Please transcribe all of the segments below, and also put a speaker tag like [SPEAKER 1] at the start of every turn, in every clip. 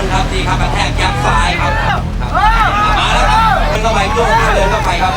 [SPEAKER 1] นครับดีครับกระแทกยับซ้ายครับมาแล้วครับเดินเข้าไปโยกเดินเข้าไปครับ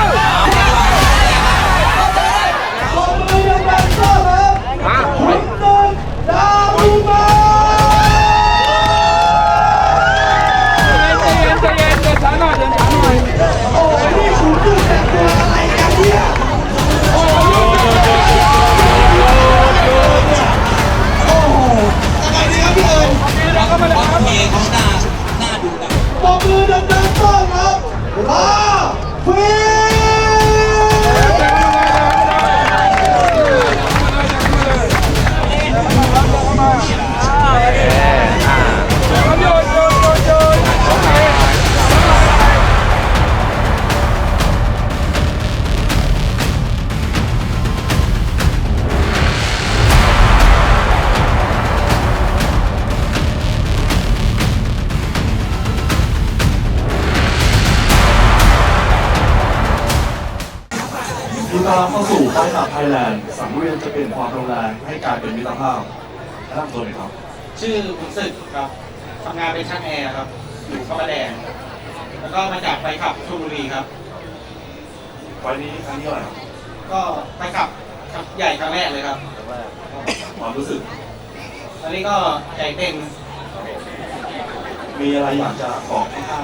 [SPEAKER 2] ยินดีต้อนรับเข้าสู่ไฟขับไทยแลนด์สังเวียนจะเปลี่ยนความรุนแรงให้กลายเป็นมิตรภาพแนะนำตัวหน่อยครับ
[SPEAKER 3] ชื่อขุนศึกครับทำงานเป็นช่างแอร์ครับอยู่พระประแดงแล้วก็มาจากไฟขับชลบุรีครับ
[SPEAKER 2] ไฟนี้ครั้งที่เท่าไหร่ครับ
[SPEAKER 3] ก็ไฟขับใหญ่ครั้งแรกเลยครับ
[SPEAKER 2] ความรู้สึก
[SPEAKER 3] ตอนนี้ก็ใจเต้น
[SPEAKER 2] มีอะไรอยากจะบอกให้ข้า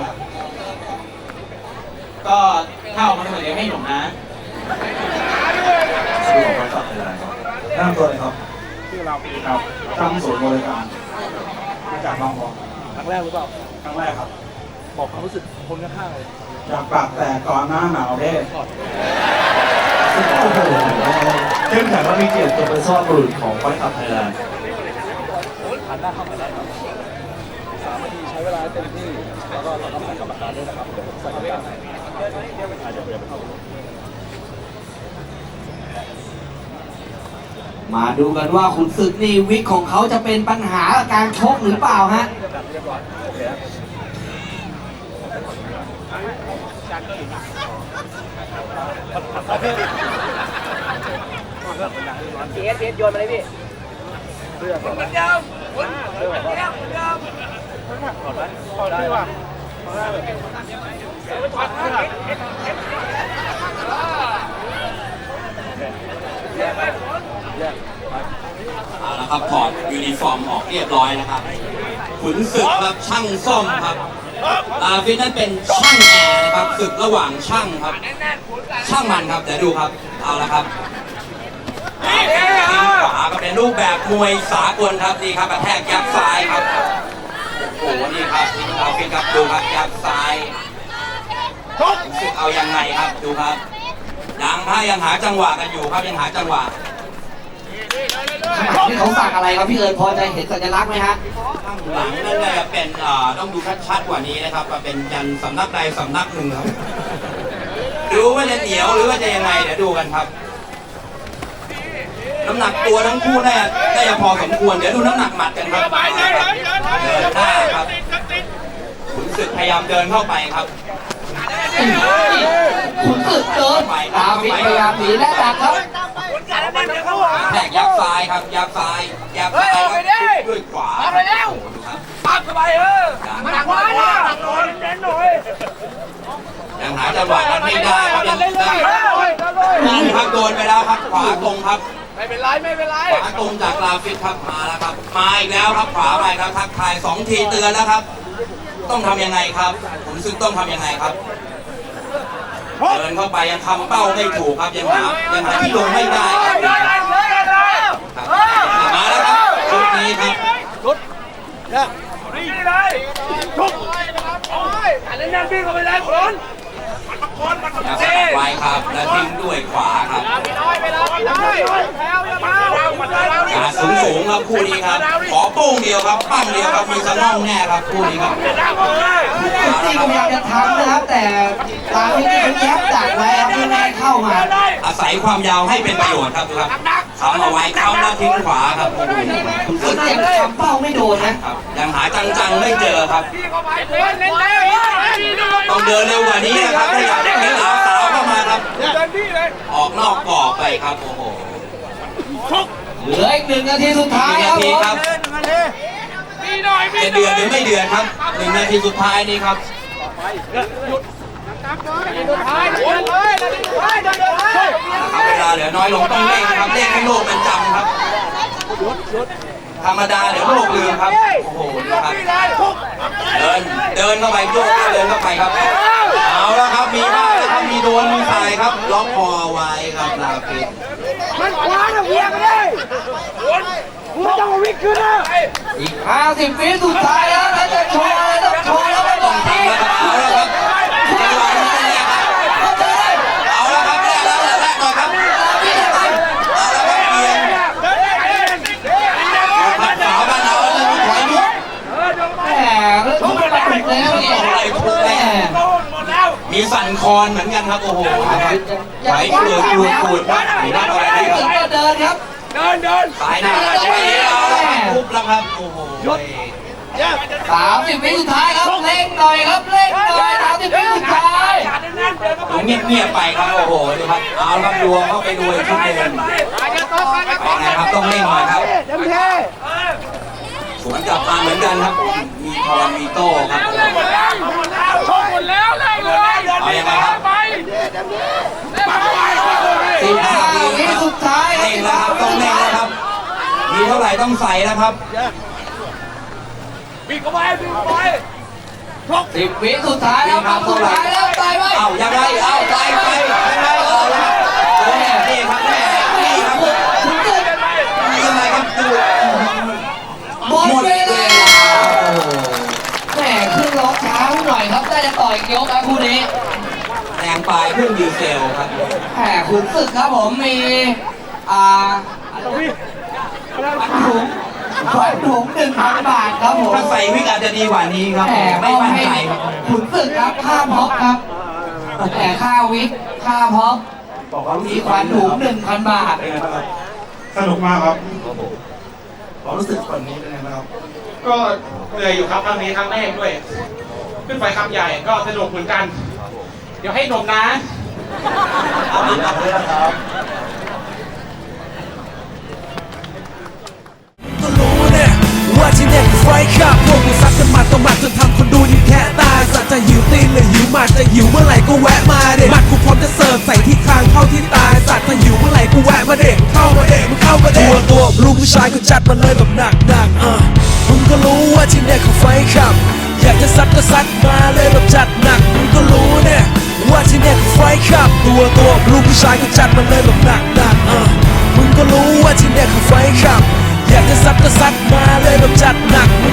[SPEAKER 3] ก็ถ้าออกมาเหมือนเดิมให้หนุ่มนะ
[SPEAKER 2] ชื่อของไฟขับไทยแลนด์ครับแนะนำตัวหน่อยครับชื่อเราปีครับตั้งศูนย์บริการมาจากบางบอน
[SPEAKER 4] ครั้งแรกหรือเปล่า
[SPEAKER 2] ครั้งแรกครับ
[SPEAKER 4] บอกความรู้สึกคนข้างๆเลย
[SPEAKER 2] อยากปากแตกก่อนหน้าหนาวเด้เข้มแข็งและมีเกียรติจงเป็นซอดบุรุษของไฟขับไทยแลนด์
[SPEAKER 4] หันหน้าเข้ามาได้ครับ3 นาทีใช้เวลาเต็มที่ แล้วก็ต้องใส่กรรมการด้วยนะครับ เดี๋ยวผมใส่กรรมการให้เดี๋ยวไปเข้า
[SPEAKER 5] มาดูกันว่าขุนศึกนี่วิกของเขาจะเป็นปัญหากับการชกหรือเปล่าฮะ
[SPEAKER 4] เอสโยนมาเลยพี่เสื้อก่อนมันยาวเสื้อก่อนถอดไหมถอดได้ป่ะถอดได้เลยถอด
[SPEAKER 1] เอาละครับถอดยูนิฟอร์มออกเรียบร้อยนะครับขุนศึกครับช่างซ่อมครับฟิตนั้นเป็นช่างแอร์นะครับศึกระหว่างช่างครับช่างมันครับเดี๋ยวดูครับเอาละครับทิ้งขวาก็เป็นรูปแบบมวยสากลครับนี่ครับกระแทกยับซ้ายครับโอ้โหนี่ครับเอาฟิตครับดูครับยับซ้ายขุนศึกเอายังไงครับดูครับยังหาจังหวะกันอยู่ครับยังหาจังหวะ
[SPEAKER 5] ข้างหลังนี่เขาสักอะไรครับพี่เอิญพอจะเห็นสัญลักษณ์ไหมฮะ
[SPEAKER 1] ข้างหลังนั่นจะเป็นต้องดูชัดๆกว่านี้นะครับว่าเป็นยันสำนักใดสำนักหนึ่งครับดูว่าจะเหนียวหรือว่าจะยังไงเดี๋ยวดูกันครับน้ำหนักตัวทั้งคู่น่าจะพอสมควรเดี๋ยวดูน้ำหนักหมัดกันครับเดินหน้าครับขุนศึกพยายามเดินเข้าไปครับ
[SPEAKER 5] ขุนศึกเดินตามวิทพยายามหนีและดักครับ
[SPEAKER 1] แทกยับซ้ายครับยับซ้ายครับด้วยขวาเอาไปแล้วปักเข้าไปมาหนักขวายังหาจังหวะกันไม่ได้ครับยังครับโดนไปแล้วครับขวาตรงครับไม่เป็นไรขวาตรงจากลาฟิตครับมาแล้วครับมาอีกแล้วครับขวาไปครับทักทาย2 ทีเตือนแล้วครับต้องทำยังไงครับขุนศึกต้องทำยังไงครับเดินเข้าไปยังทำเป้าไม่ถูกครับยังหาที่ลงไม่ได้ครับมาแล้วครับชุดนี้ครับชุดนี่เลยชุดแน่นๆพี่เข้าไปเลยคุณไวครับแล้วทิ้งด้วยขวาครับสูงครับคู่นี้ครับขอโป้งเดียวครับปั้งเดียวครับมีสะน่องแน่ครับคู่นี้ครับ
[SPEAKER 5] จริงๆพยายามจะทำนะครับแต่ตามที่เขาแยบดักไว้ครับไม่ให้เข้ามา
[SPEAKER 1] อาศัยความยาวให้เป็นประโยชน์ครับดูครับทำเอาไว้เข้าแล้วทิ้งขวาครับ
[SPEAKER 5] ขุนศึกยังทำเป้าไม่โดนนะ
[SPEAKER 1] ยังหาจังๆไม่เจอครับต้องเดินเร็วกว่านี้นะครับถ้าอยากได้เห็นสาวเข้ามาครับออกนอกกรอบไปครับโอ้โห
[SPEAKER 5] เหลืออีก1 นาทีสุดท้าย
[SPEAKER 1] 1 นาทีครับจะเดือดหรือไม่เดือดครับ1 นาทีสุดท้ายนี้ครับ
[SPEAKER 4] สุดท้ายเลยสุดท้ายเดินเลย
[SPEAKER 1] นะครับเวลาเหลือน้อยลงต้องเร่งครับเร่งให้โลกมันจำครับธรรมดาเดี๋ยวโลกลืมครับโอ้โหนะครับเดินเข้าไปโยกเดินเข้าไปครับเอาแล้วครับมีบ้างนะครับมีโดนมีใส่ครับล็อกคอไว้ครับลาฟิต
[SPEAKER 4] มันคว้าเวียงเลยคุณต้องวิ่งขึ้นนะ
[SPEAKER 5] อีก50 วิสุดท้ายแล้วถ้าจะโชว์อะไรต้องโชว์แล้วไม่บ
[SPEAKER 1] ต้
[SPEAKER 5] อ
[SPEAKER 1] อง
[SPEAKER 5] ก
[SPEAKER 1] ทำแล้วครับเอาแล้วครับจังหวะนี้แรกครับเอาแล้วครับแรกแล้วแรกหน่อยครับเอาแล้วครับเบียงผัดขาวบ้านเราจะมีถอยมุก
[SPEAKER 5] แหมเรื่องทุกข์ไปถึงแล้วเนี่ย
[SPEAKER 1] อะไรพูดแม่มีสั่นคอนเหมือนกันครับโอ้โหไหวเกลือกูดครับมีหน้าอะไร
[SPEAKER 5] ไม่
[SPEAKER 1] ค
[SPEAKER 5] ถึ
[SPEAKER 1] รั
[SPEAKER 5] ง
[SPEAKER 1] บ
[SPEAKER 5] ก็เดินครับ
[SPEAKER 1] สายหน้าไม่เอาแล้วครับทุบแล้วครับโอ้โห
[SPEAKER 5] 30 วิสุดท้ายครับเร่งหน่อยครับเร่งหน่อย30 วิสุดท้าย
[SPEAKER 1] ผมเงียบๆไปครับโอ้โหดูครับเอาแล้วครับดวงเข้าไปดูอีกชุดหนึ่งเป็นไงครับต้องเร่งหน่อยครับ
[SPEAKER 4] เต็มที่
[SPEAKER 1] สวนกลับมาเหมือนกันครับมีทอนมีโต้ครับ
[SPEAKER 4] ชกหมดแล้วเลยเลย
[SPEAKER 1] เอายังไงครับ
[SPEAKER 4] ไป
[SPEAKER 5] 15 วิสุดท้ายค
[SPEAKER 1] เร่งแล้วครับต้องเร่งแล้วครับมีเท่าไหร่ต้องใส่แล้วครับ
[SPEAKER 4] วิ่งเข้าไปวิ่งเข้าไป
[SPEAKER 5] 10 วิสุดท้ายแล้วครับสุดท้ายแล้วตายไหม
[SPEAKER 1] เอายังไงเอาไปยังไงเอาละครับนี่ครับแม่นี่ครับยังไงครับดู
[SPEAKER 5] หมดเวลาแหมขึ้นล็อกช้าหน่อยครับได้จะต่อยยกครับคู่นี้
[SPEAKER 1] แรงปลายเครื่องดีเซลครับ
[SPEAKER 5] แหมขุนศึกครับผมมีขวัญถุง 1,000 บาทครับผม
[SPEAKER 1] ถ้าใส่วิกอาจจะดีกว่านี้ครับ
[SPEAKER 5] แหม
[SPEAKER 1] ไม่
[SPEAKER 5] มอบ
[SPEAKER 1] มั่น
[SPEAKER 5] ให้
[SPEAKER 1] ใจครับ
[SPEAKER 5] ขุนศึกครับค่าพ็อกครับแหมค่าวิกค่าพ็อก
[SPEAKER 2] บอกว่ารู้
[SPEAKER 5] มี
[SPEAKER 2] สึก
[SPEAKER 5] ขวัญถุง 1,000 บาท
[SPEAKER 2] เป็นไงบ้างครับสนุกมากครับความรู้สึกวันนี้เป็นไงบ้างครับ
[SPEAKER 3] ก็เหนื่อยอยู่ครับครั้งนี้ครั้งแรกด้วย ขึ้นไปคำใหญ่ก็สนุกเหมือนกัน เดี๋ยวให้นมนะ
[SPEAKER 2] เอาดีครับเลยนะครับ
[SPEAKER 6] ก็รู้เนี่ยว่าที่เนี่ยคือไฟขับพวกกูซัดกันมาต่อมาจนทำคนดูนี่แค่ตายสัตว์จะหิวตีนหรือหิวหมัดจะหิวเมื่อไหร่ก็แวะมาเด็มัดกูพร้อมจะเสิร์ฟใส่ที่คางเข้าที่ตายสัตว์ถ้าหิวเมื่อไหร่กูแวะมาเด็เข้ามาเด็มึงเข้ามาเด็ตัวลูกผู้ชายก็จัดมาเลยแบบหนักมึงก็รู้ว่าที่เนี่ยคือไฟขับอยากจะซัดก็ซัดมาเลยแบบจัดหนักมึงก็รู้เนี่ยว่าที่เนี่ยคือไฟขับตัวลูกผู้ชายก็จัดมาเลยแบบหนักมึงก็รู้ว่าที่เนี่ยคือไฟขับอยากจะซัดก็ซัดมาเลยแบบจัดหนัก